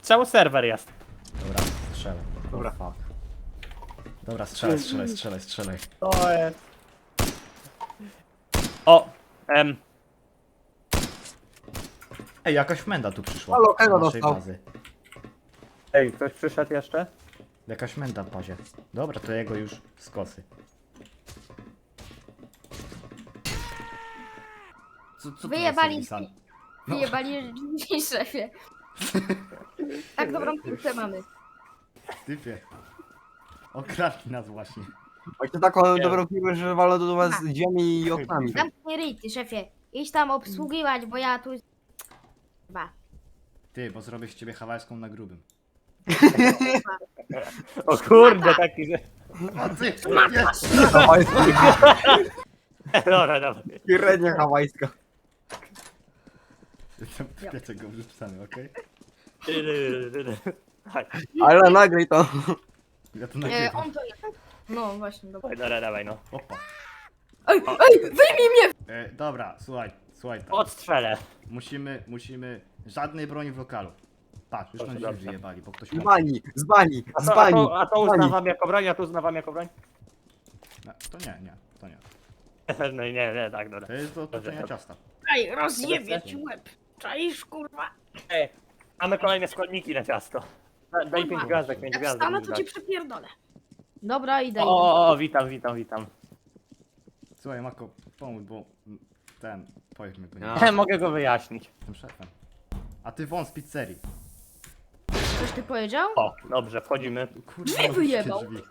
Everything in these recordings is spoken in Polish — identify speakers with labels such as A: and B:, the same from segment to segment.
A: Cały serwer jest.
B: Dobra, strzelę.
A: Dobra.
B: Fuck. Dobra, strzelaj.
A: To jest. O!
B: Ej, jakaś menda tu przyszła.
C: Halo,
B: do
C: Elo
B: naszej
C: dostał.
B: bazy.
A: Ej, ktoś przyszedł jeszcze?
B: Jakaś menda w bazie. Dobra, to jego już z kosy. Co
D: Wyjebali,
B: tu jest napisane?
D: wyjebali szefie. Tak dobrą piłkę mamy.
B: Typie. Okradli nas właśnie.
C: Macie taką
A: Nie.
C: dobrą piłkę, że walą do was z drzwiami i oknami.
D: Zamknij ryj, ty szefie. Idź tam obsługiwać, bo ja tu... Chyba.
B: Ty, bo zrobię z ciebie hawajską na grubym.
A: O kurde, taki, że...
B: A ty!
C: Hawajska.
A: Dobra, dobra.
C: Średnia hawajska.
B: Jestem w piece go wrzucamy, okej?
A: Chodź,
C: Ale nagraj to.
B: Ja to nagrywam.
D: On to jest. No właśnie, dobra.
A: dobra, dawaj no.
B: Opa.
D: Ej, wyjmij mnie!
B: Dobra, słuchaj tak.
A: Odstrzelę.
B: Musimy... Żadnej broni w lokalu. Patrz, już
A: Dobrze,
B: nam drzwi
A: dobrze.
B: wyjebali, bo ktoś
C: Z
B: ma...
C: bani, z bani,
A: A
C: z
A: to, a
C: bani.
A: to, a to
C: z bani.
A: uznawam jako broń, a to uznawam jako broń?
B: No, to nie.
A: No i nie, tak, dobra.
B: To jest do toczenia ciasta.
D: Ej, rozjebie ci łeb. Czaisz, kurwa?
A: Ej, mamy kolejne składniki na ciasto. Daj 5 gwiazdek, 5
D: Jak
A: gwiazdek.
D: wstanę, to ci przepierdolę. Dobra, idę.
A: O, witam.
B: Słuchaj, Mako, pomóż, bo ten... Powiedz mi, bo nie
C: Ja.
A: Mogę go wyjaśnić.
B: jestem szefem. A ty wąs z pizzerii.
D: Coś ty powiedział?
A: O, dobrze, wchodzimy.
B: Kurwa,
D: Drzwi
B: otwórzcie
D: wyjebał.
B: drzwi.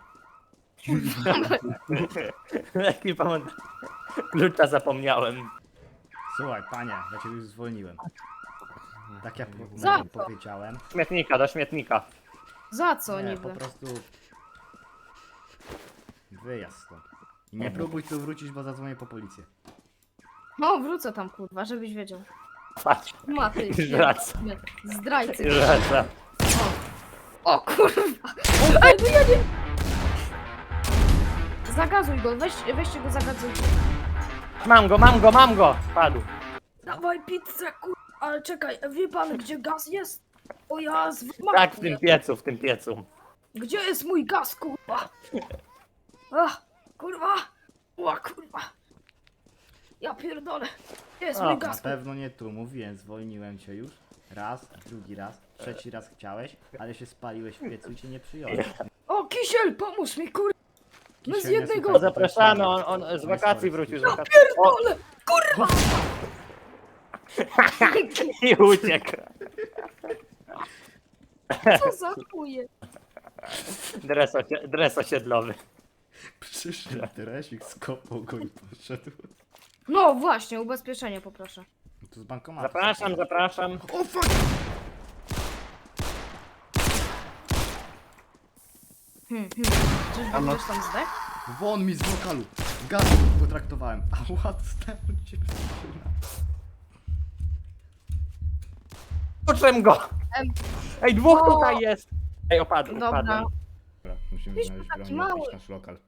A: Jaki pamiętam. Klucza zapomniałem.
B: Słuchaj, panie, ja cię już zwolniłem. Tak jak
D: Za
B: jak
D: co?
B: powiedziałem.
A: Śmietnika, do śmietnika.
D: Za co
B: Nie,
D: niby?
B: po prostu... Wyjazd stąd. I nie próbuj tu wrócić, bo zadzwonię po policję.
D: No, wrócę tam, kurwa, żebyś wiedział.
A: Patrz,
D: Maty,
A: Zdrajca.
D: zdrajcy.
A: wraca.
D: O kurwa! Ej, no ja nie... Zagazuj go, weźcie go zagazujcie.
A: Mam go! Spadł.
D: Dawaj pizzę, kurwa, ale czekaj, wie pan gdzie gaz jest? O ja z
A: Tak, w tym piecu.
D: Gdzie jest mój gaz, kurwa? Ach, kurwa! O kurwa! Ja pierdolę! Gdzie jest
A: O,
D: mój
B: Na
D: gaz?
B: pewno nie tu, mówiłem, zwolniłem cię już. Raz, drugi raz, trzeci raz chciałeś, ale się spaliłeś w piecu i cię nie przyjąłem.
D: O, Kisiel, pomóż mi, kurwa! My z
B: Kisiel, nie
D: jednego-
B: słuchaj,
A: Zapraszamy,
B: to jest
A: on z
B: No
A: wakacji
B: sorry,
A: wrócił z
B: Kisiel.
A: wakacji. O,
D: Pierdolę! Kurwa!
A: i uciekł.
D: Co za chuje?
A: Dres osiedlowy.
B: Przyszedł Teresik, skopał go i poszedł.
D: No właśnie, ubezpieczenie poproszę.
B: Tu z bankomatu.
A: Zapraszam.
B: O fuck!
D: Czyżby ktoś tam zdech?
B: Won mi z lokalu! Gaz potraktowałem. Ała, dostałem cię
A: Uczem go!
D: Em.
A: Ej, dwóch
D: O.
A: tutaj jest! Ej, opadł.
D: Dobra.
B: Dobra, musimy
D: Wiesz,
B: znaleźć
D: taki
B: broń i
D: mały.
B: opuścić nasz lokal.